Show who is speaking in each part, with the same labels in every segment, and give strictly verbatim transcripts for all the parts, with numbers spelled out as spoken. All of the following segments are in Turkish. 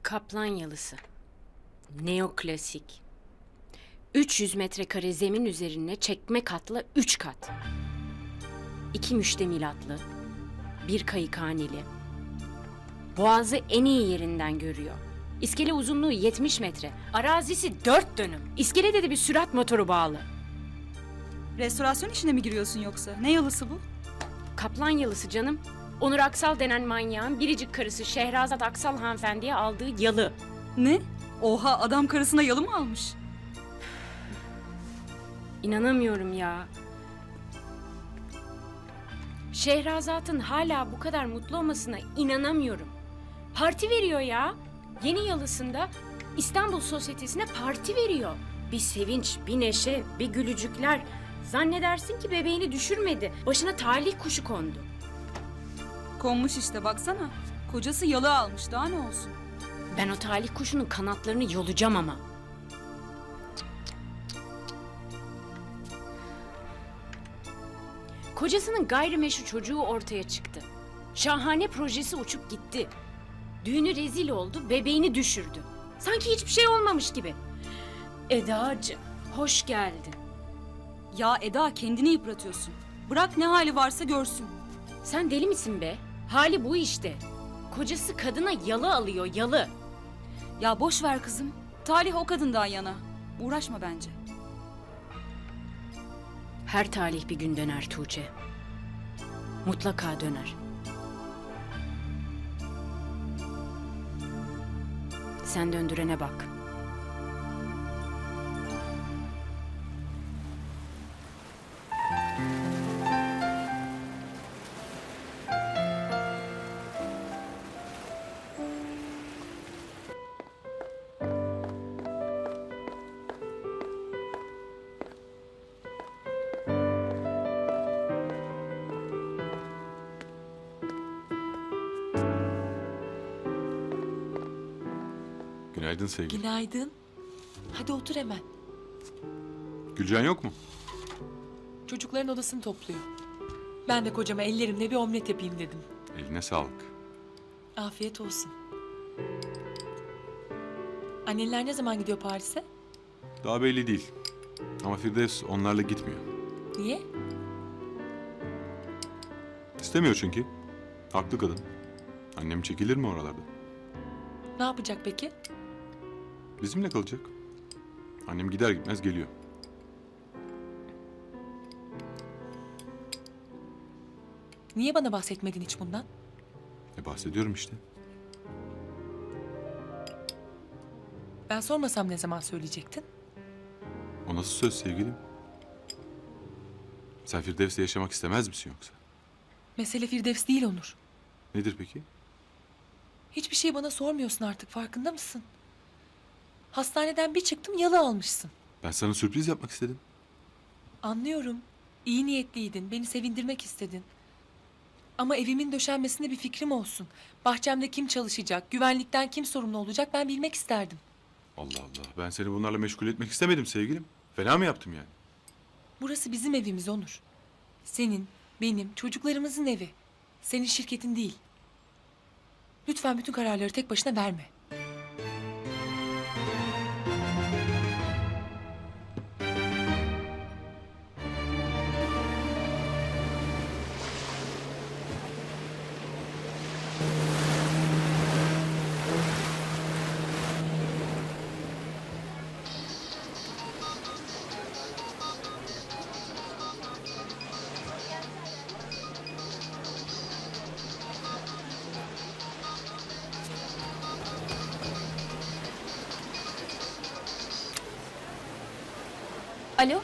Speaker 1: Kaplan yalısı. Neoklasik. üç yüz metrekare zemin üzerine çekme katlı üç kat. İki müştemilatlı, bir kayıkhaneli. Boğazı en iyi yerinden görüyor. İskele uzunluğu yetmiş metre. Arazisi dört dönüm. İskelede de bir sürat motoru bağlı.
Speaker 2: Restorasyon işine mi giriyorsun yoksa? Ne yalısı bu?
Speaker 1: Kaplan yalısı canım. Onur Aksal denen manyağın biricik karısı Şehrazat Aksal hanımefendiye aldığı yalı.
Speaker 2: Ne? Oha, adam karısına yalı mı almış?
Speaker 1: İnanamıyorum ya. Şehrazat'ın hala bu kadar mutlu olmasına inanamıyorum. Parti veriyor ya. Yeni yalısında İstanbul Sosyetesi'ne parti veriyor. Bir sevinç, bir neşe, bir gülücükler. Zannedersin ki bebeğini düşürmedi. Başına talih kuşu kondu.
Speaker 2: Konmuş işte, baksana. Kocası yalı almış, daha ne olsun?
Speaker 1: Ben o talih kuşunun kanatlarını yolacağım ama. Kocasının gayrimeşru çocuğu ortaya çıktı. Şahane projesi uçup gitti. Düğünü rezil oldu, bebeğini düşürdü. Sanki hiçbir şey olmamış gibi. Edacığım, hoş geldin.
Speaker 2: Ya Eda, kendini yıpratıyorsun. Bırak ne hali varsa görsün.
Speaker 1: Sen deli misin be? Hali bu işte. Kocası kadına yalı alıyor, yalı.
Speaker 2: Ya boş ver kızım. Talih o kadından yana. Uğraşma bence.
Speaker 1: Her talih bir gün döner Tuğçe. Mutlaka döner. Sen döndürene bak.
Speaker 3: Günaydın sevgilim.
Speaker 4: Günaydın. Hadi otur hemen.
Speaker 3: Gülcan yok mu?
Speaker 4: Çocukların odasını topluyor. Ben de kocama ellerimle bir omlet yapayım dedim.
Speaker 3: Eline sağlık.
Speaker 4: Afiyet olsun. Anneler ne zaman gidiyor Paris'e?
Speaker 3: Daha belli değil. Ama Firdevs onlarla gitmiyor.
Speaker 4: Niye?
Speaker 3: İstemiyor çünkü. Haklı kadın. Annem çekilir mi oralarda?
Speaker 4: Ne yapacak peki?
Speaker 3: Bizimle kalacak. Annem gider gitmez geliyor.
Speaker 4: Niye bana bahsetmedin hiç bundan?
Speaker 3: E bahsediyorum işte.
Speaker 4: Ben sormasam ne zaman söyleyecektin?
Speaker 3: O nasıl söz sevgilim? Sen Firdevs'le yaşamak istemez misin yoksa?
Speaker 4: Mesele Firdevs değil Onur.
Speaker 3: Nedir peki?
Speaker 4: Hiçbir şey bana sormuyorsun artık, farkında mısın? Hastaneden bir çıktım yalı almışsın.
Speaker 3: Ben sana sürpriz yapmak istedim.
Speaker 4: Anlıyorum. İyi niyetliydin, beni sevindirmek istedin. Ama evimin döşenmesinde bir fikrim olsun. Bahçemde kim çalışacak, güvenlikten kim sorumlu olacak ben bilmek isterdim.
Speaker 3: Allah Allah. Ben seni bunlarla meşgul etmek istemedim sevgilim. Fena mı yaptım yani?
Speaker 4: Burası bizim evimiz Onur. Senin, benim, çocuklarımızın evi. Senin şirketin değil. Lütfen bütün kararları tek başına verme.
Speaker 5: Alo?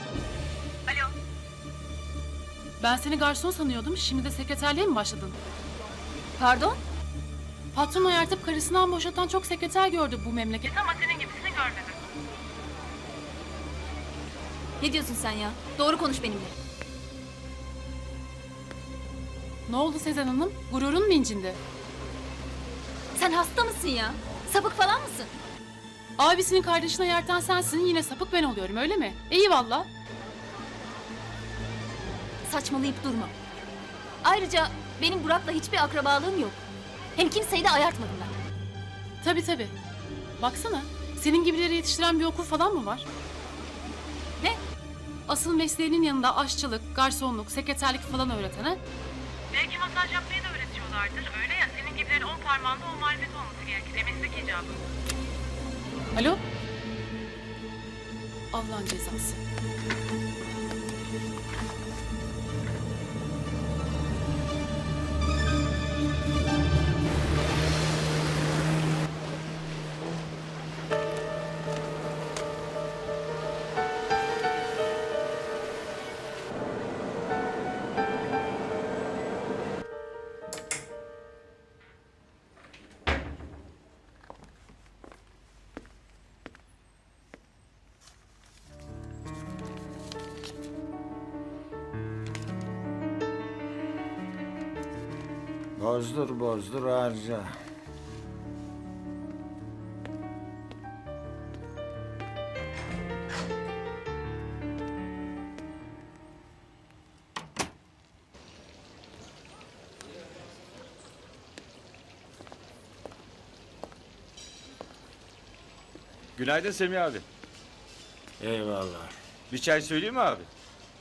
Speaker 6: Ben seni garson sanıyordum. Şimdi de sekreterliğe mi başladın?
Speaker 5: Pardon?
Speaker 6: Patron ayartıp karısından boşatan çok sekreter gördü bu memleket. Ama senin gibisini görmedim.
Speaker 5: Ne diyorsun sen ya? Doğru konuş benimle.
Speaker 6: Ne oldu Sezen Hanım? Gururun mu incindi?
Speaker 5: Sen hasta mısın ya? Sapık falan mısın?
Speaker 6: Abisinin kardeşini ayartan sensin. Yine sapık ben oluyorum öyle mi? İyi valla.
Speaker 5: Saçmalayıp durma. Ayrıca benim Burak'la hiçbir akrabalığım yok. Hem kimseyi de ayartmadım ben.
Speaker 6: Tabii tabii. Baksana, senin gibileri yetiştiren bir okul falan mı var? Ne? Asıl mesleğinin yanında aşçılık, garsonluk, sekreterlik falan öğreten ha?
Speaker 7: Belki masaj yapmayı da öğretiyorlardır. Öyle ya, senin gibilerin on parmağında o marifet olması gerekir. Meslek icabı.
Speaker 6: Alo? Allah'ın cezası.
Speaker 8: Bozdur bozdur harca.
Speaker 9: Günaydın Semih abi.
Speaker 8: Eyvallah.
Speaker 9: Bir çay söyleyeyim mi abi?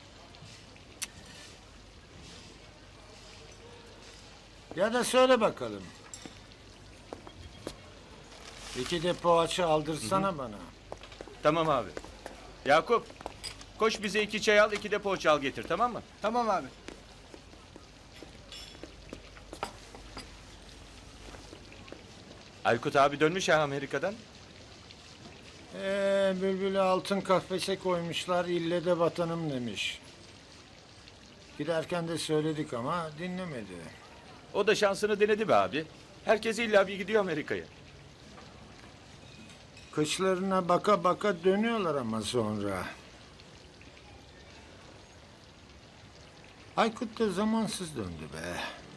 Speaker 8: Ya da söyle bakalım. İki de poğaça aldırsana bana.
Speaker 9: Tamam abi. Yakup, koş bize iki çay al, iki de poğaça al getir, tamam mı?
Speaker 10: Tamam abi.
Speaker 9: Aykut abi dönmüş ya Amerika'dan.
Speaker 8: Ee, bülbülü altın kafese koymuşlar, ille de vatanım demiş. Giderken de söyledik ama dinlemedi.
Speaker 9: O da şansını denedi be abi. Herkes illa bir gidiyor Amerika'ya.
Speaker 8: Kıçlarına baka baka dönüyorlar ama sonra. Aykut da zamansız döndü be.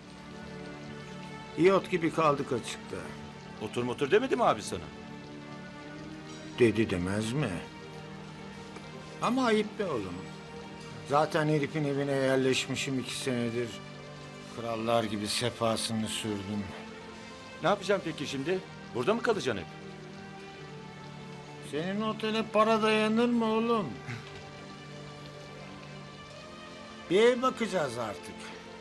Speaker 8: İyot gibi kaldık açıkta.
Speaker 9: Otur motor demedi mi abi sana?
Speaker 8: Dedi demez mi? Ama ayıp be oğlum. Zaten herifin evine yerleşmişim iki senedir. Krallar gibi sefasını sürdüm.
Speaker 9: Ne yapacağım peki şimdi? Burada mı kalacaksın hep?
Speaker 8: Senin otele para dayanır mı oğlum? Bir ev bakacağız artık.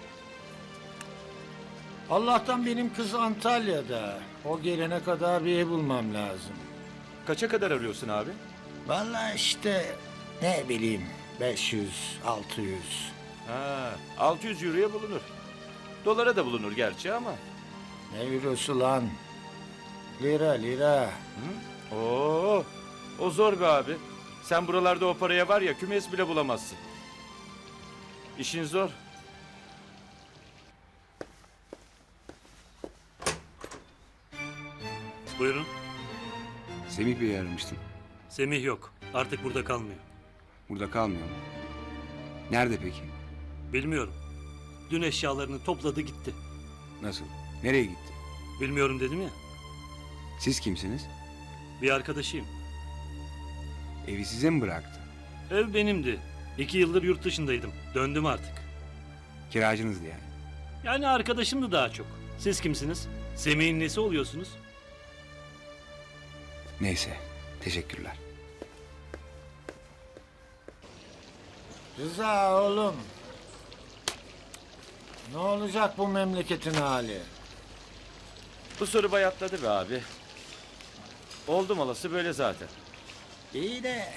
Speaker 8: Allah'tan benim kız Antalya'da. O gelene kadar bir ev bulmam lazım.
Speaker 9: Kaça kadar arıyorsun abi?
Speaker 8: Vallahi işte ne bileyim beş yüz, altı yüz.
Speaker 9: Ha, altı yüz euroya bulunur. Dolara da bulunur gerçi ama.
Speaker 8: Ne eurosu lan? Lira lira.
Speaker 9: Hı? Oo, o zor be abi. Sen buralarda o paraya var ya kümes bile bulamazsın. İşin zor.
Speaker 11: Buyurun.
Speaker 10: Semih Bey'i aramıştım.
Speaker 11: Semih yok. Artık burada kalmıyor.
Speaker 10: Burada kalmıyor mu? Nerede peki?
Speaker 11: Bilmiyorum. Dün eşyalarını topladı gitti.
Speaker 10: Nasıl? Nereye gitti?
Speaker 11: Bilmiyorum dedim ya.
Speaker 10: Siz kimsiniz?
Speaker 11: Bir arkadaşıyım.
Speaker 10: Evi size mi bıraktı?
Speaker 11: Ev benimdi. İki yıldır yurt dışındaydım. Döndüm artık.
Speaker 10: Kiracınızdı yani.
Speaker 11: Yani arkadaşımdı daha çok. Siz kimsiniz? Semih'in nesi oluyorsunuz?
Speaker 10: Neyse. Teşekkürler.
Speaker 8: Rıza oğlum. Ne olacak bu memleketin hali?
Speaker 9: Bu soru bayatladı be abi. Oldum olası böyle zaten.
Speaker 8: İyi de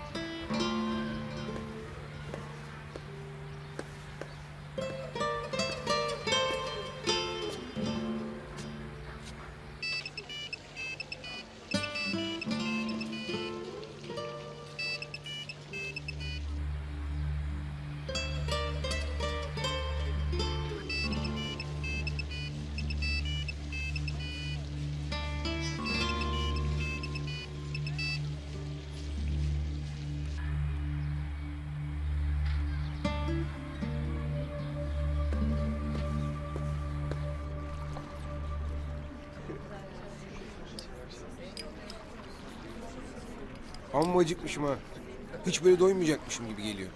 Speaker 10: Amma acıkmışım ha. Hiç böyle doymayacakmışım gibi geliyor.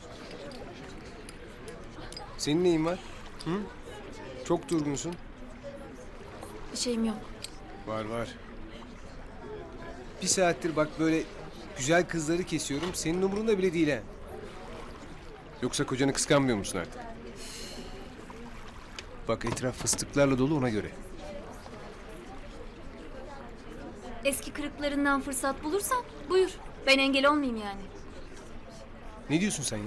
Speaker 10: Senin neyin var? Hı? Çok durgunsun.
Speaker 5: Bir şeyim yok.
Speaker 10: Var var. Bir saattir bak böyle güzel kızları kesiyorum. Senin umurunda bile değil ha. Yoksa kocanı kıskanmıyor musun artık? Bak etraf fıstıklarla dolu, ona göre.
Speaker 5: Eski kırıklarından fırsat bulursan buyur. Ben engel olmayayım yani.
Speaker 10: Ne diyorsun sen ya?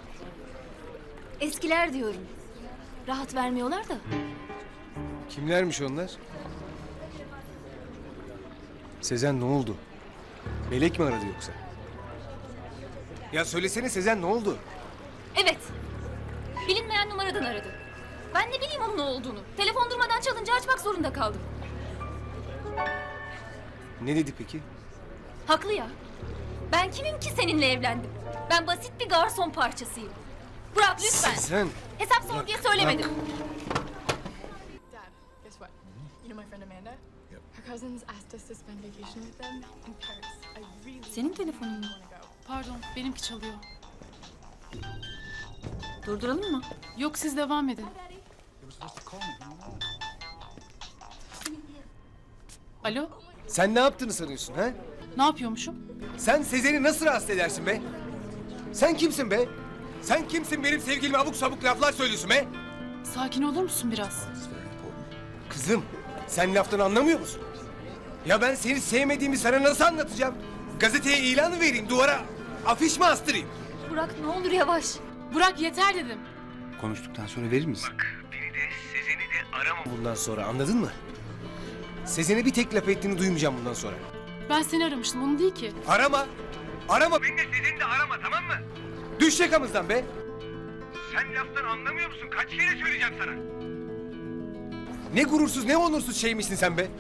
Speaker 5: Eskiler diyorum. Rahat vermiyorlar da.
Speaker 10: Kimlermiş onlar? Sezen ne oldu? Melek mi aradı yoksa? Ya söylesene Sezen, ne oldu?
Speaker 5: Evet. Bilinmeyen numaradan aradı. Ben ne bileyim onun ne olduğunu. Telefon durmadan çalınca açmak zorunda kaldım.
Speaker 10: Ne dedi peki?
Speaker 5: Haklı ya. Ben kimim ki seninle evlendim? Ben basit bir garson parçasıyım. Burak lütfen.
Speaker 10: Sezen!
Speaker 5: Hesap sor diye söylemedim.
Speaker 12: Dad, guess what? You know my friend Amanda? Her cousins asked us to spend vacation with them in Paris. I really
Speaker 2: Senin telefonun mu?
Speaker 12: want to go.
Speaker 6: Pardon, benimki çalıyor.
Speaker 2: Durduralım mı?
Speaker 6: Yok, siz devam edin. Alo,
Speaker 10: Sen ne yaptığını sanıyorsun ha?
Speaker 6: ne yapıyormuşum?
Speaker 10: Sen Sezen'i nasıl rahatsız edersin be? Sen kimsin be? Sen kimsin, benim sevgilime abuk sabuk laflar söylüyorsun be?
Speaker 6: Sakin olur musun biraz?
Speaker 10: Kızım, sen laftan anlamıyor musun? Ya ben seni sevmediğimi sana nasıl anlatacağım? Gazeteye ilanı vereyim, duvara afiş mi astırayım?
Speaker 5: Burak ne olur yavaş.
Speaker 6: Burak yeter dedim.
Speaker 10: Konuştuktan sonra verir misin? Bak, beni de Sezen'i de arama bundan sonra, anladın mı? Sezen'e bir tek laf ettiğini duymayacağım bundan sonra.
Speaker 6: Ben seni aramıştım, onu değil ki.
Speaker 10: Arama! Arama! Beni de Sezen'i de arama, tamam mı? Düş yakamızdan be! Sen laftan anlamıyor musun? Kaç kere söyleyeceğim sana? Ne gurursuz, ne onursuz şeymişsin sen be!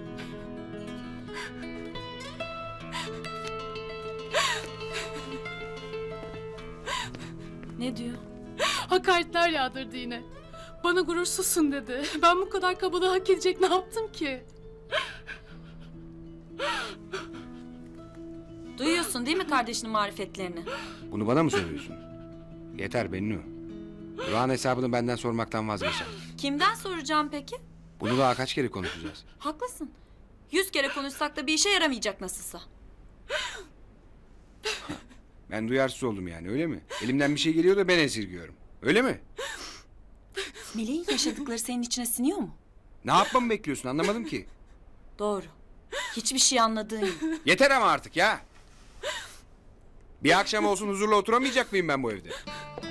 Speaker 2: Ne diyor?
Speaker 6: Hakaretler yağdırdı yine. Bana gurursuzsun dedi. Ben bu kadar kabalığı hak edecek ne yaptım ki?
Speaker 2: Duyuyorsun değil mi kardeşinin marifetlerini?
Speaker 13: Bunu bana mı söylüyorsun? Yeter Bennu. Burak'ın hesabını benden sormaktan vazgeçer.
Speaker 2: Kimden soracağım peki?
Speaker 13: Bunu daha kaç kere konuşacağız?
Speaker 2: Haklısın. Yüz kere konuşsak da bir işe yaramayacak nasılsa.
Speaker 13: Ben duyarsız oldum yani, öyle mi? Elimden bir şey geliyor da ben esirgiyorum. Öyle mi?
Speaker 2: Meleğin yaşadıkları senin içine siniyor mu?
Speaker 13: Ne yapmamı bekliyorsun, anlamadım ki.
Speaker 2: Doğru. Hiçbir şey anladığın yok.
Speaker 13: Yeter ama artık ya. Bir akşam olsun huzurla oturamayacak mıyım ben bu evde?